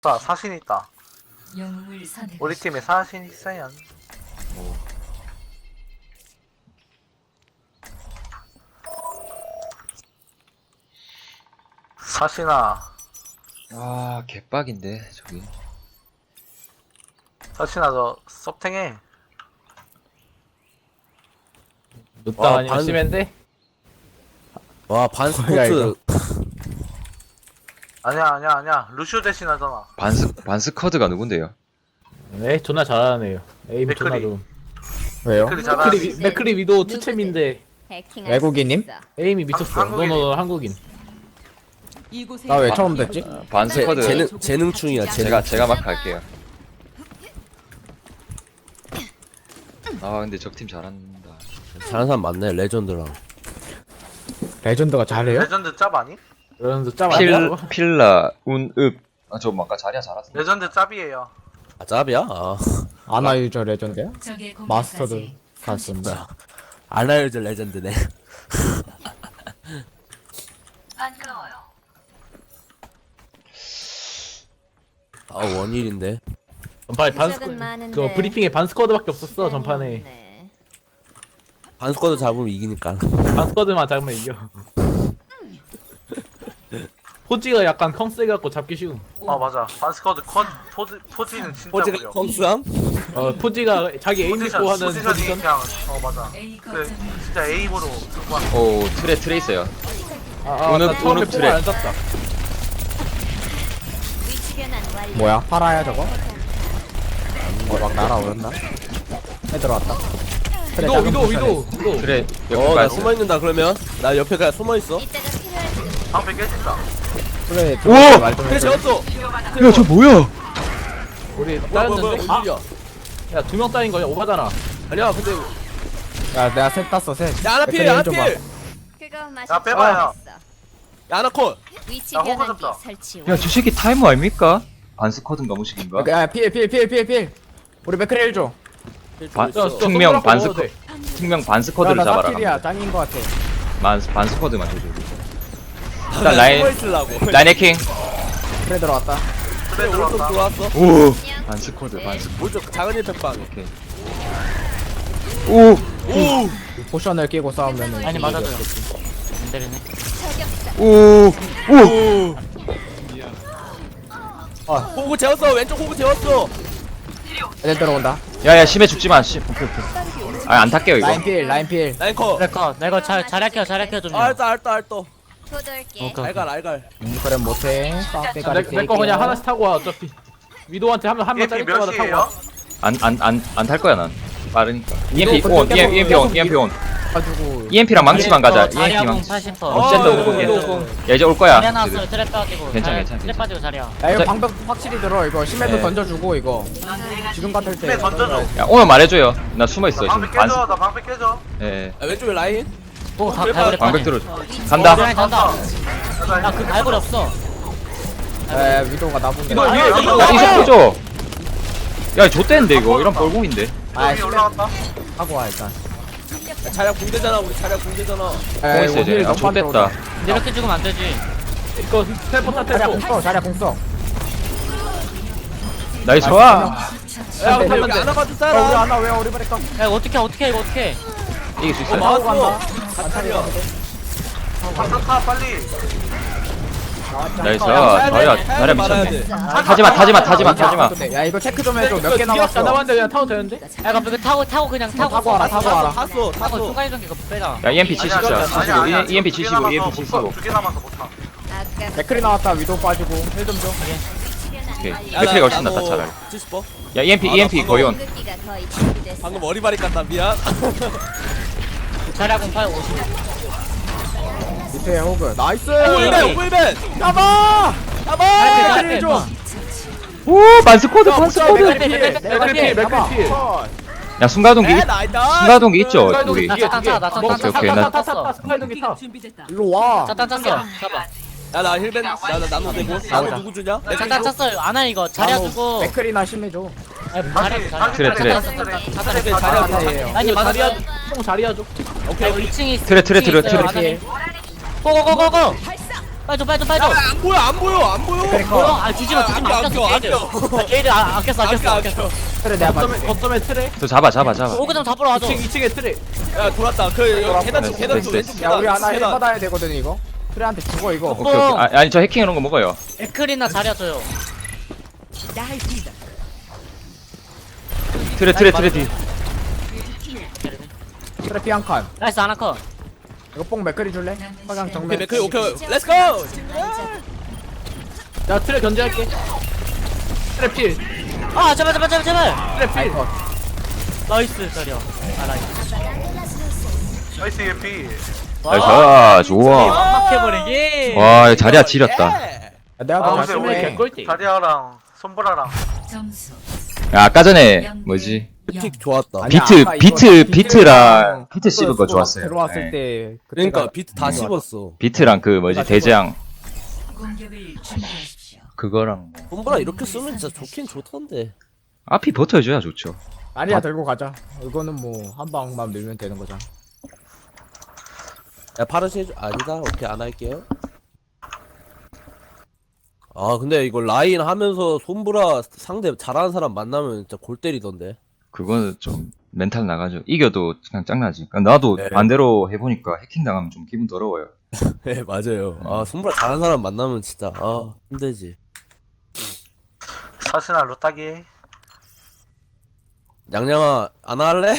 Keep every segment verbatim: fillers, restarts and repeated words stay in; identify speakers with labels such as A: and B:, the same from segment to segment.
A: 사, 사신 있다.
B: 영웅을 선택.
A: 우리 팀에 사신 있어요.
C: 오.
A: 사신아,
C: 아 개빡인데 저기.
A: 사신아 저 섭탱해.
D: 눕다
E: 와,
D: 아니면
E: 반-
D: 심한데?
E: 와 반스포츠
A: 아니야 아니야 아니야. 루시오 대신 하잖아.
C: 반스 반스커드가 누군데요?
D: 네, 존나 잘하네요. 에임
A: 맥크리.
D: 존나 좀.
E: 왜요?
A: 맥클이
D: 맥크리,
A: 잘하지.
D: 위- 맥크리 위도 투챔인데
E: 외국인님?
D: 에임이 미쳤어.
A: 한- 한국인.
D: 너너 한국인.
E: 나 왜 처음 듣지?
C: 아, 반스커드
E: 재능 재능충이야 재능.
C: 제가 제가 막 할게요. 아 근데 적팀 잘한다.
E: 잘하는 사람 많네 레전드랑. 레전드가 잘해요?
A: 레전드 짭 아니?
D: 그러면서 짭
C: 필
D: 아니야?
C: 필라 운읍. 아저 아까 자리야 잘하던데.
A: 레전드 짭이에요.
E: 아 짭이야? 아. 아나 유저 레전드야? 마스터드 갔습니다. 아나 유저 레전드네.
B: 반가워요.
E: 아 원일인데.
D: 전판에 반스
B: 시작은 많은데.
D: 그 브리핑에 반스쿼드밖에 없었어 전판에.
B: 네.
E: 반스쿼드 잡으면 이기니까.
D: 반스쿼드만 잡으면 이겨. 포지가 약간 컹세 갖고 잡기 쉬운.
A: 어 맞아. 반스커드 컷 포지 포지는 진짜
E: 포즈가
A: 무려.
E: 컴스함?
D: 어 포지가 자기 에임
A: 포지션
D: 믿고 하는
A: 포지션이
D: 포지션.
A: 그냥 어 맞아. 그 진짜 에임으로 승부하는.
C: 오 트레 트레 있어요.
D: 아, 아,
C: 오늘-
D: 나 처음에
C: 오늘
D: 뽕을
C: 트랙.
D: 안 잡다.
B: 위치 변환 완료.
E: 뭐야? 팔아야 저거? 어막 날아오른다. 해 들어왔다.
D: 위도 위도 위도 위도.
C: 트레
E: 어
C: 옆에
E: 나
C: 가있어.
E: 숨어 있는다 그러면 나 옆에 그냥 숨어 있어.
B: 이때가 필요할지도.
A: 방패 깨진다.
E: 그래.
C: 오!
E: 말좀
D: 그래
E: 해.
D: 재웠어.
C: 야저 뭐야?
D: 우리
E: 뭐야 뭐야 뭐야
D: 따였는데? 아,
E: 원일이야.
D: 야 두 명 따인 거야 오바잖아.
E: 아니야 근데 야 내가 셋 땄어 셋. 야 하나 필
D: 백현이
E: 하나
D: 좀
E: 필.
B: 그거 마시.
A: 야, 빼봐요.
E: 야 하나 컷.
B: 위치
A: 나 호구
B: 변환기
A: 잡자.
B: 설치.
C: 야 저 새끼 타이머 아닙니까? 반스커드인가 무식인가?
E: 야필필필필필필 우리 맥크리 일 줘.
C: 반
D: 야, 저
C: 특명
D: 손가락
C: 반스커
D: 먹어도 돼.
C: 특명 반스커드를
E: 나
C: 잡아라.
E: 사필이야 짱인 거 같아.
C: 반 반스커드만 줘줘. 일단 라인
E: 숨어 있으려고.
C: 라인 해킹.
E: 그래 들어왔다.
A: 그래
E: 오른쪽
A: 들어왔다.
E: 들어왔어.
C: 오 반스커드 반스.
E: 오른쪽 작은 일팩방.
C: 오케이. 오
E: 오. 포션을 끼고 싸우면
F: 아니 맞아줘요. 안 되네.
C: 오 오.
E: 호구 재웠어 왼쪽 호구 재웠어. 애들 들어온다.
C: 야야 심해 죽지마. 심. 오케이 오케이. 아안 탈게요 이거.
E: 라인 필 라인 필. 라인 컷.
F: 내거 나 이거 잘 잘할게요 잘할게요 좀.
E: 알다 알다 알다.
B: 도돌게.
F: 오케이.
E: 알갈 알갈. 음 그래 못해.
D: 내 거 그냥 하나씩 타고 와 어차피. 위도한테 한명한명
A: 이엠피
D: 짜릴 때마다 타고
A: 몇이에요?
D: 와.
C: 안 안 안 안 탈 거야 난. 빠르니까.
E: 이거
C: 이엠피
E: 근데
C: 온
E: 계속-
C: 이엠피 온
E: 계속
C: 이엠피 온.
E: 가지고.
C: 이엠피랑 망치만 가자. 이엠피
F: 자리야 공
C: 망치.
F: 팔십 퍼.
C: 어, 쨌든
D: 위도,
C: 오케이.
D: 위도.
C: 야 이제 올 거야.
F: 자리야 나왔어요. 트랩 빠지고.
C: 괜찮아,
F: 자리야,
C: 괜찮아,
F: 트랩
C: 괜찮아.
F: 빠지고 자리야.
E: 야 이거
C: 자-
E: 방벽 확실히 들어 이거 심해도
C: 네.
E: 던져주고 이거. 지금 같을 때.
A: 심해 던져줘.
C: 야 오면 말해줘요. 나 숨어 있어
A: 나 방패
C: 지금. 반스.
A: 깨져. 나 방패 깨져.
C: 예.
E: 아, 왼쪽에 라인.
F: 뭐다
E: 그래,
F: 갈고리
C: 방벽
F: 빠지.
C: 들어.
F: 어,
C: 간다.
F: 라인 간다.
A: 나
F: 야그 갈고리 없어.
E: 에 위도가 나본데.
D: 위도 위에
A: 아,
D: 위도.
C: 야 이속 보죠. 야 좆대인데 이거 이런 뻘공인데.
E: 아
A: 여기 올라갔다.
E: 하고 와 일단. 차량 공대잖아 우리 차량 공대잖아.
C: 공 있어야 돼. 아 좆됐다.
F: 이렇게 죽으면 안 되지.
D: 이거 텔포 타
E: 차량
D: 텔포.
E: 공써 차량 공써.
C: 나이스 와.
D: 야
E: 근데
D: 타면
E: 여기
D: 돼.
E: 안 와봐도
D: 어,
E: 따라.
D: 우리
E: 안와 왜 어리 버릴까?
F: 야 이거 어떻게 어떻게 이거 어떻게?
C: 이길 수
E: 어
C: 있어요.
E: 마우 간다. 안타리야.
A: 방탄 빨리.
C: 나이스 와. 자리야 자리야 미쳤네. 타지마 타지마 타지마 타지마.
E: 야 이거 체크 좀 해줘. 몇 개
D: 안
E: 남았어?
D: 남았는데 그냥 타도 되는데?
F: 야 그럼 이거 타고 타고 그냥 타고
E: 타고 와라 타고 와라.
D: 탔어
F: 타고 순간 이동 이거 빼자.
C: 야 이엠피 칠십사.
A: 아니야, 아니야, 아니야.
C: 이엠피
A: 두개
C: 칠십오.
A: 남아서
C: 이엠피
A: 못
C: 칠십오.
A: 타. 두개 남아서 못 타.
B: 아까
E: 맥클이 나왔다 위도 빠지고 힐 좀 줘.
C: 오케이. 맥크리가 훨씬 낫다 차라리.
E: 칠십 번.
C: 야 이엠피 이엠피 거의 온.
B: 공급기가 거의 준비됐어.
E: 방금 머리발이 깠다 미안.
F: 자리야 공 팔 오십.
E: 밑에 호그. 나이스.
F: 꿀벤,
E: 꿀벤. 잡아. 잡아.
F: 짧게,
E: 맥클이 줘.
C: 오 반스코드
E: 맥클이
C: 반스코드.
E: 필.
D: 맥클이 필, 맥클이 필.
C: 야 순간동기
E: 에 나이다.
C: 순간동기 있죠 우리.
F: 나 짠, 짠, 나 짠, 짠,
C: 오케이,
F: 짠,
C: 오케이,
F: 짠,
C: 나-
F: 짠, 짠, 짠.
D: 스파이더기 타.
E: 일로 와.
F: 짠, 짠, 짰어. 잡아.
E: 야나 힐벤 나나 나눠 되고. 나눠 누구 주냐?
F: 짠, 짠, 짰어요. 안하 이거 자리야 주고.
E: 맥클이나 심해줘.
F: 아니
A: 다시
F: 자리야
A: 다시
C: 트레, 트레.
D: 자리야
E: 자리야
D: 타.
E: 자리야.
F: 아니 맞아.
D: 자리야 형 자리야 줘.
F: 오케이 이 층이 있어.
C: 트레, 트레,
F: 이 층이
C: 트레,
F: 있어요,
C: 트레.
F: 안에. 고고고고고. 빨리 빨리 빨리.
G: 안 보여 안 보여 안 보여.
F: 어, 아 주지 마 주지 마.
G: 아껴,
F: 아꼈어 게이드.
G: 아껴.
F: 나 게이드 아, 아꼈어 아꼈어
G: 아껴,
F: 아꼈어.
E: 그래 내가
D: 거점에
E: 봤지.
D: 거점에 트레.
C: 저 잡아 잡아 잡아.
F: 오그 좀 잡으러 와줘.
D: 이층 이층에 트레.
G: 야 돌았다. 그 여기 계단 쪽
C: 네,
G: 계단
C: 네,
G: 쪽
C: 네.
G: 왼쪽
E: 야 우리
G: 계단.
E: 하나 힐
G: 계단.
E: 받아야 되거든 이거. 트레한테 죽어 이거.
C: 오케이 오케이. 아, 아니 저 해킹해놓은 거 먹어요.
F: 에클이나 자리야 줘요.
C: 트레 트레 트레 뒤.
E: 트레 피 한 칸.
F: 나이스 아나커.
E: 이거 뽕 맥거리 줄래? 화강
G: 오케이
E: 정면.
G: 맥클 오케이. 렛츠 고.
D: 나 트레 견제할게. 트레 필.
F: 아 제발 제발 제발 제발.
D: 트레 필.
F: 나이스 자리야. 아 나이스.
A: 나이스 예피.
C: 나이스 좋아.
F: 막막해버리기.
C: 와 이거 자리야 지렸다.
E: 야, 내가
A: 아
E: 더
A: 근데
E: 자신해.
A: 우리
D: 개꿀띠.
A: 다리아랑 손보라랑
H: 점수
C: 야 아까 전에 뭐지?
G: 틱 좋았다.
E: 아니야,
C: 비트
E: 아까 이거
C: 비트
E: 비트랑
C: 비트랑 비트 씹은 거
E: 스포
C: 좋았어요.
E: 들어왔을
C: 네.
E: 때
G: 그러니까
E: 그때가
G: 비트 다 씹었어.
C: 비트랑 그 뭐지 대장
H: 공격을 준비하십시오.
C: 그거랑 뭐.
G: 홈브라 이렇게 쓰면 진짜 좋긴 좋던데.
C: 앞이 버텨줘야 좋죠.
E: 아니야 들고 가자. 이거는 뭐 한 방만 밀면 되는 거잖아.
G: 야 파르시 해줘. 아니다. 오케이 안 할게요. 아 근데 이거 라인 하면서 손브라 상대 잘하는 사람 만나면 진짜 골 때리던데.
C: 그거는 좀 멘탈 나가죠. 이겨도 그냥 짱나지. 그러니까 나도
G: 네.
C: 반대로 해보니까 해킹 당하면 좀 기분 더러워요.
G: 네 맞아요. 아 손브라 잘하는 사람 만나면 진짜 아 힘들지.
A: 사스나 루따기.
G: 양양아 안 할래?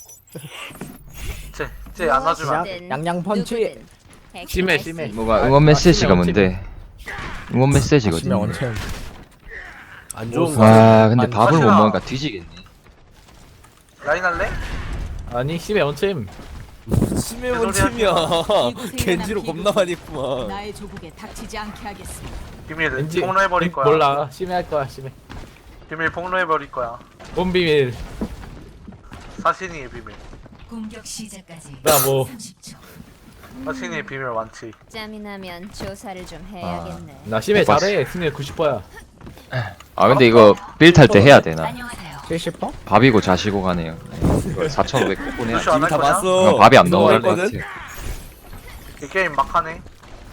A: 쟤쟤 안아주면 안 돼.
B: 누구든,
E: 양양 펀치.
B: 누구든 핵심할
D: 심해,
B: 수
D: 심해.
B: 있어.
C: 뭐가 응원 메시지가 뭔데? 응원 메시지거든.
E: 아시면 원챔.
G: 안 좋은 거.
C: 와 근데
E: 아니,
C: 밥을 못
A: 사실아.
C: 먹으니까 뒤지겠네.
A: 라인 할래?
D: 아니 심해 원챔.
G: 심해본 팀이야. 겐지로 겁나 많이 했구만.
H: 나의 조국에 닥치지 않게 하겠습니다.
A: 비밀
D: 왠지
A: 폭로해버릴 거야.
D: 몰라. 심해 할 거야 심해.
A: 비밀 폭로해버릴 거야.
D: 뭔 비밀.
A: 사신이의 비밀.
H: 공격 시작까지
D: 나 뭐.
H: 삼십 초.
A: 사신이의 비밀 완치.
B: 짬이 나면 조사를 좀
C: 아,
B: 해야겠네.
D: 나 심해
C: 못 봤어.
D: 잘해. 승률 구십 퍼야.
C: 아 근데 이거 빌 탈 때 해야 되나?
H: 안녕하세요.
E: 칠십 퍼?
C: 밥이고 자시고 가네요. 사천오백 꼭
A: 루시
C: 보내야
A: 안할
G: 다
A: 거냐?
G: 봤어.
C: 밥이 안 넘어갈 것
G: 했거든?
C: 같아.
A: 이 게임 막하네.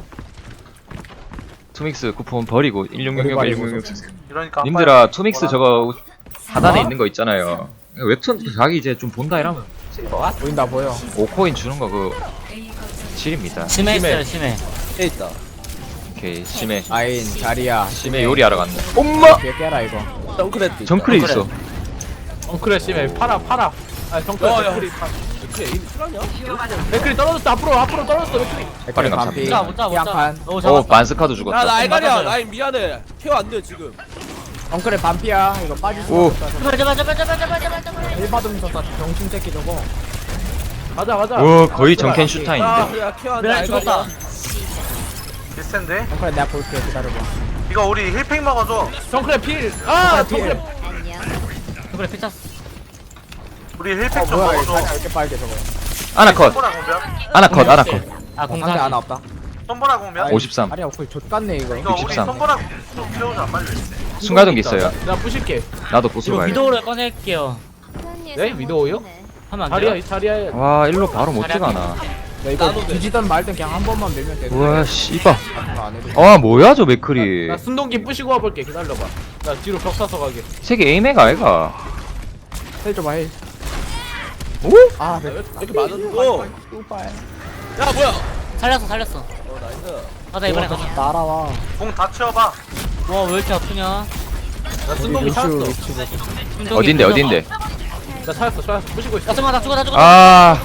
C: 투믹스 쿠폰 버리고 일육육육 일육육육 주세요.
A: 이러니까
C: 님들아 투믹스 저거 하단에
H: 사,
C: 있는 거 있잖아요. 웹툰 자기 이제 좀 본다 이러면
E: 보인다 보여.
C: 오 코인 주는 거 그
H: A 거점
C: 실입니다.
F: 심해 있어요 심해.
G: 해 있다.
C: 오케이 심해
E: 아인 자리야.
C: 심해 요리하러 갔네. 엄마
E: 뒤에 깨라 이거.
G: 덩크레트.
C: 정크레 있어.
D: 엉크레 심해. 팔아 팔아. 아 정크레.
G: 야, 야.
D: 맥크리 파-
G: 이렇게 에임 실하냐?
D: 맥크리 떨어졌어. 앞으로 앞으로 떨어졌어 맥크리.
C: 빠른
E: 맥클
C: 감사합니다.
F: 못자 못자
E: 피한
F: 못자.
E: 칸.
F: 오
C: 오
F: 잡았다.
C: 반스카도
G: 야
C: 죽었다.
G: 나 알갈이야.
F: 맞아요.
G: 라인 미안해. 케어 안 돼 지금.
E: 엉클의 반피야. 이거 빠질 수
C: 오.
E: 없다.
F: 제발 제발 제발 제발 제발 제발 제발.
E: 일 받으면서 다 병신 새끼 저거.
D: 가자 가자.
C: 오 거의 정캔
G: 야
C: 슈타인인데.
G: 그래 케어 안 돼.
F: 미안 죽었다.
G: 알갈이야.
A: 비슷한데?
E: 엉클 내가 볼게 기다려봐.
A: 이거 우리 힐팩 먹어줘.
D: 정크레 필. 아
E: 정크레
D: 정크레.
B: 안녕.
F: 그래 피쳤어.
A: 우리 힐팩
E: 어
A: 좀
E: 뭐야 이거
A: 먹어줘.
E: 자리야 이렇게 빨개 저거.
C: 아나컷
A: 손보라 공별.
C: 아나컷 아나컷
F: 아
E: 상대
F: 공상.
E: 하나 없다.
A: 손보라 공별.
C: 오십삼.
E: 아니야 엉클 좆같네 이거.
A: 이거 우리
C: 육십삼.
A: 손보라 좀 키워줘 빨리.
C: 순간동기 있어요.
D: 나 부실게.
C: 나도 보스
F: 이거
C: 가야 돼.
F: 위도우를 꺼낼게요.
D: 네? 위도우요?
F: 하면 안
D: 자리야
F: 돼요?
D: 이 자리야.
C: 와 일로 바로 못
F: 자리야.
C: 들어가나.
E: 야 이거
G: 나도 돼.
E: 뒤지던 말든 그냥 한 번만 밀면 되는
C: 우와 씨발.
E: 안 해도.
C: 아 뭐야 저 맥크리.
D: 나 순동기 부시고 와볼게. 기다려봐. 나 뒤로 벽 사서 가게.
C: 세계 에이맥 아이가.
E: 헬 줘봐 헬.
C: 오?
E: 아 네.
G: 이렇게 많은 거.
E: 오빠야.
G: 야 뭐야?
F: 살렸어 살렸어.
G: 어 나이스.
F: 가자 이번에 가자.
E: 날아와.
A: 공 다 치워봐.
F: 와왜 이렇게 아프냐?
D: 나 순동기
E: 위치
D: 찾았어.
E: 위치 보고.
F: 순동기
C: 어딘데
F: 부셔봐.
C: 어딘데?
D: 나 찾았어 찾았어. 부시고 있어.
F: 야 잠깐만 나 죽어 나 죽어.
C: 아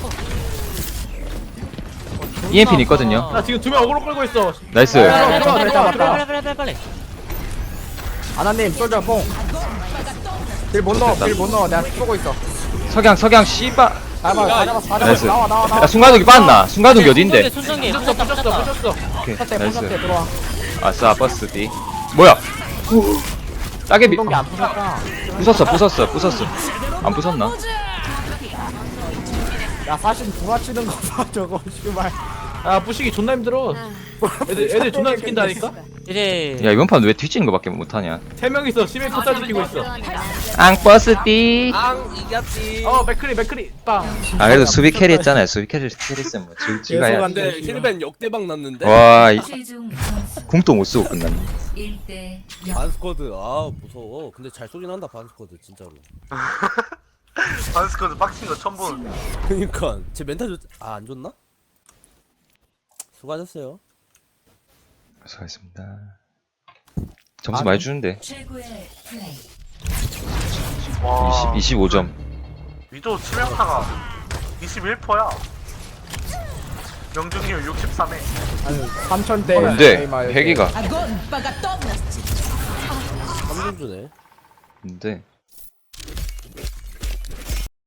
C: 이엠피 있거든요.
D: 나 지금 두 명 어그로 끌고 있어.
C: 나이스.
F: 빨리 빨리
E: 들어가,
F: 빨리
E: 들어가,
F: 빨리
E: 들어가.
F: 빨리 빨리 빨리 빨리.
E: 아나님 솔져 뽕. 딜못 넣어 딜못 넣어 내가 쏘고 있어.
C: 석양 석양 씨발.
E: 잡아 다 잡았어 다
C: 나이스.
E: 잡았어 나와 나와 나와.
C: 야 순간동기 빠졌나? 순간동기 어딘데?
F: 순정기
D: 부셨어
F: 부셨다
D: 부셨어
F: 부셨다.
D: 부셨어.
C: 오케이
E: 포탑대
C: 나이스.
E: 포탑대 들어와.
C: 아싸 버스 D. 뭐야? 따개비.
E: 운동기 안 부셨다.
C: 부쉈어 부쉈어 부쉈어. 안 부쉈나?
E: 야 사실 부딪히는 거 봐 저거 씨발.
D: 아 부시기 존나 힘들어. 애들 애들 존나 시킨다니까.
F: 이제
C: 야 이번 판 왜 뒤지는 거밖에 못하냐?
D: 세 명이서 심해 포탈 지키고 있어.
C: 앙버스띠.
G: 앙 이겼지.
D: 어 맥크리 맥크리 빵.
C: 아 그래도 수비 캐리 했잖아요. 수비 캐리 캐리 했으면 뭐 지- 지가야.
G: 근데 힐벤 역대박 났는데.
C: 와 이-
H: 최종 점수
C: 궁도 못 쓰고 끝났네.
H: 일 대 영.
G: 반스쿼드 아 무서워. 근데 잘 쏘긴 한다 반스쿼드 진짜로.
A: 반스쿼드 빡친 거 처음 보는.
G: 그니까 제 멘탈 좋. 아안 좋나? 수고하셨어요.
C: 수고하셨습니다. 점수 많이 주는데
H: 최고의 플레이.
A: 와.
C: 이십, 이십오 점.
A: 위도 치명타가 이십일 퍼센트야. 명중률 육십삼 회.
E: 아니 삼천 대
C: 근데 회기가
G: 삼 점 주네.
C: 근데